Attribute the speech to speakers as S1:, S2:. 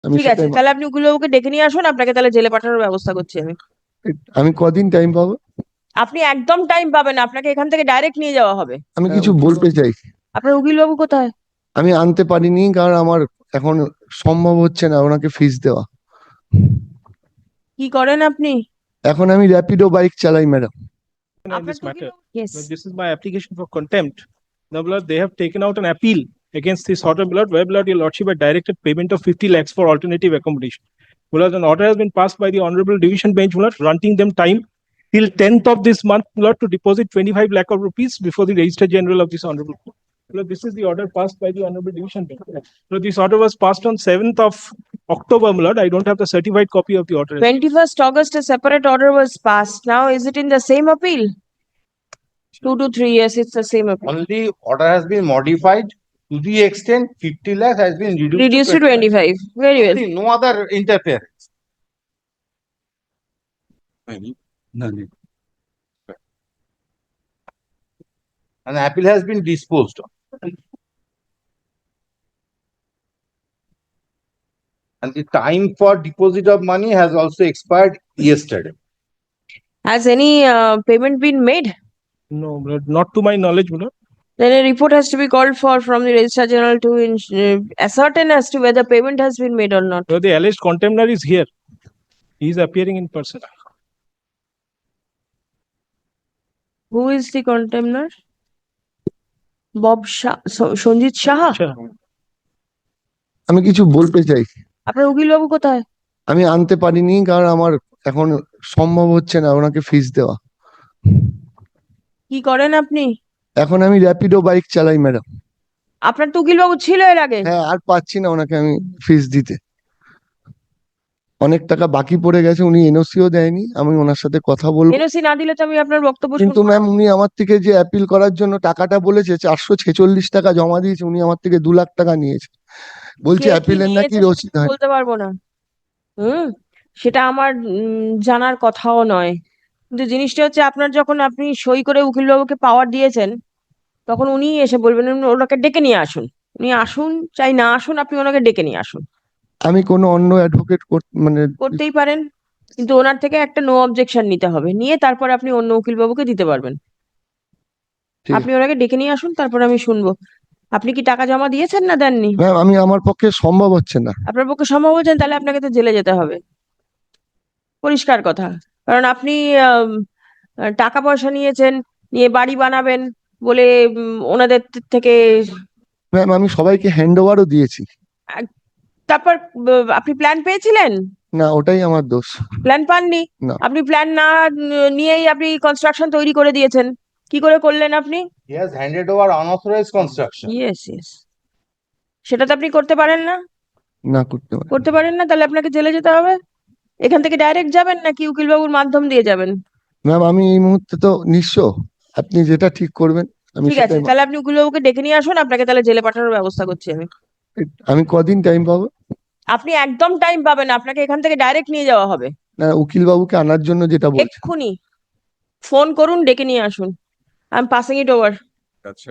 S1: আমি
S2: ঠিক আছে,
S1: সেটাই
S2: তাহলে আপনি উকিলবাবুকে ডেকে নিয়ে আসুন, আপনাকে তাহলে জেলে পাঠানোর ব্যবস্থা করছি আমি।
S1: আমি কদিন টাইম পাবো?
S2: আপনি একদম টাইম পাবেন না, আপনাকে এখান থেকে ডাইরেক্ট নিয়ে যাওয়া হবে।
S1: আমি কিছু বলতে চাই।
S2: আপনার উকিলবাবু কোথায়?
S1: আমি আনতে পারিনি কারণ আমার এখন সম্ভব হচ্ছে না ওনাকে ফিস দেওয়া।
S2: কি করেন আপনি?
S1: এখন আমি র্যাপিডো বাইক চালাই ম্যাডাম।
S3: In
S2: আপনার
S3: this
S2: তো
S3: matter.
S2: উকিলবাবু Yes.
S3: But this is my application for contempt. Now, Lord, they have taken out an appeal against this order, Lord, where, Lord, your Lordship had directed payment of 50 lakhs for alternative accommodation. Lord, an order has been passed by the Honorable Division Bench, Lord, granting them time till 10th of this month, Lord, to deposit 25 lakh of rupees before the Registrar General of this Honorable Court. Lord, this is the order passed by the Honorable Division Bench. Lord, this order was passed on 7th of October, Lord. I don't have the certified copy of the order.
S2: 21st August, a separate order was passed. Now, is it in the same appeal? 2 to 3 years, it's the same appeal.
S4: Only order has been modified to the extent 50 lakhs has been
S2: Reduced to 25. Very well.
S4: Nothing, no other interference. An appeal has been disposed of. And the time for deposit of money has also expired yesterday.
S2: Has any payment been made?
S3: No, Lord, not to my knowledge, Lord.
S2: Then a report has to be called for from the Registrar General to ascertain as to whether payment has been made or not.
S3: Lord, the alleged contemptor is here. He is appearing in person.
S2: Who is the contemptor? Bob Shah, Sanjit Shah.
S3: Sure.
S1: আমি কিছু বলতে চাই।
S2: আপনার উকিলবাবু কোথায়?
S1: আমি আনতে পারিনি কারণ আমার এখন সম্ভব হচ্ছে না ওনাকে ফিস দেওয়া।
S2: কি করেন আপনি?
S1: এখন আমি র্যাপিডো বাইক চালাই ম্যাডাম।
S2: আপনার তো উকিলবাবু ছিল এর আগে।
S1: হ্যাঁ, আর পাচ্ছি না ওনাকে আমি ফিস দিতে। অনেক টাকা বাকি পড়ে গেছে, উনি এনওসিও দেয়নি। আমি ওনার সাথে কথা বলবো।
S2: এনওসি না দিলে তো আমি আপনার বক্তব্য
S1: কিন্তু
S2: শুনবো না।
S1: ম্যাম উনি আমার থেকে যে অ্যাপিল করার জন্য টাকাটা বলেছে 446 টাকা জমা দিয়েছে, উনি আমার থেকে 2 লাখ টাকা নিয়েছে। বলছে
S2: কে কি
S1: অ্যাপিলের নাকি
S2: নিয়েছে
S1: রসিদ হয়।
S2: বলতে পারবো না। সেটা আমার জানার কথাও নয়। কিন্তু জিনিসটা হচ্ছে আপনার যখন আপনি সই করে উকিলবাবুকে পাওয়ার দিয়েছেন, তখন উনি এসে বলবেন ওনাকে ডেকে নিয়ে আসুন। উনি আসুন চাই না আসুন, আপনি ওনাকে ডেকে নিয়ে আসুন।
S1: আমি কোনো অন্য অ্যাডভোকেট মানে
S2: করতেই পারেন, কিন্তু ওনার থেকে একটা নো অবজেকশন নিতে হবে, নিয়ে তারপর আপনি অন্য উকিলবাবুকে দিতে পারবেন।
S1: ঠিক
S2: আপনি ওনাকে ডেকে নিয়ে আসুন, তারপর আমি শুনবো। আপনি কি টাকা জমা দিয়েছেন না দেননি?
S1: ম্যাম আমি আমার পক্ষে সম্ভব হচ্ছে না।
S2: আপনার পক্ষে সম্ভব হচ্ছেন, তাহলে আপনাকে তো জেলে যেতে হবে, পরিষ্কার কথা। কারণ আপনি টাকা পয়সা নিয়েছেন, নিয়ে বাড়ি বানাবেন বলে ওনাদের থেকে।
S1: ম্যাম আমি সবাইকে হ্যান্ড ওভারও দিয়েছি।
S2: তারপর আপনি প্ল্যান পেয়েছিলেন?
S1: না, ওটাই আমার দোষ।
S2: প্ল্যান পাননি?
S1: না।
S2: আপনি প্ল্যান না নিয়েই আপনি কনস্ট্রাকশন তৈরি করে দিয়েছেন। কি করে করলেন আপনি?
S4: He has handed over unauthorized construction.
S2: Yes yes, সেটা তো আপনি করতে পারেন না।
S1: না করতে পারি।
S2: করতে পারেন না, তাহলে আপনাকে জেলে যেতে হবে। এখান থেকে ডাইরেক্ট যাবেন নাকি উকিলবাবুর মাধ্যম দিয়ে যাবেন?
S1: ম্যাম আমি এই মুহূর্তে তো নিঃস্ব, আপনি যেটা ঠিক করবেন আমি
S2: ঠিক আছে,
S1: সেটাই।
S2: তাহলে আপনি উকিলবাবুকে ডেকে নিয়ে আসুন, আপনাকে তাহলে জেলে পাঠানোর ব্যবস্থা করছি আমি।
S1: আমি কদিন টাইম পাবো?
S2: আপনি একদম টাইম পাবেন না, আপনাকে এখান থেকে ডাইরেক্ট নিয়ে যাওয়া হবে।
S1: না, উকিল বাবুকে আনার জন্য যেটা বলছেন।
S2: এক্ষুনি ফোন করুন, ডেকে নিয়ে আসুন। I am passing it over.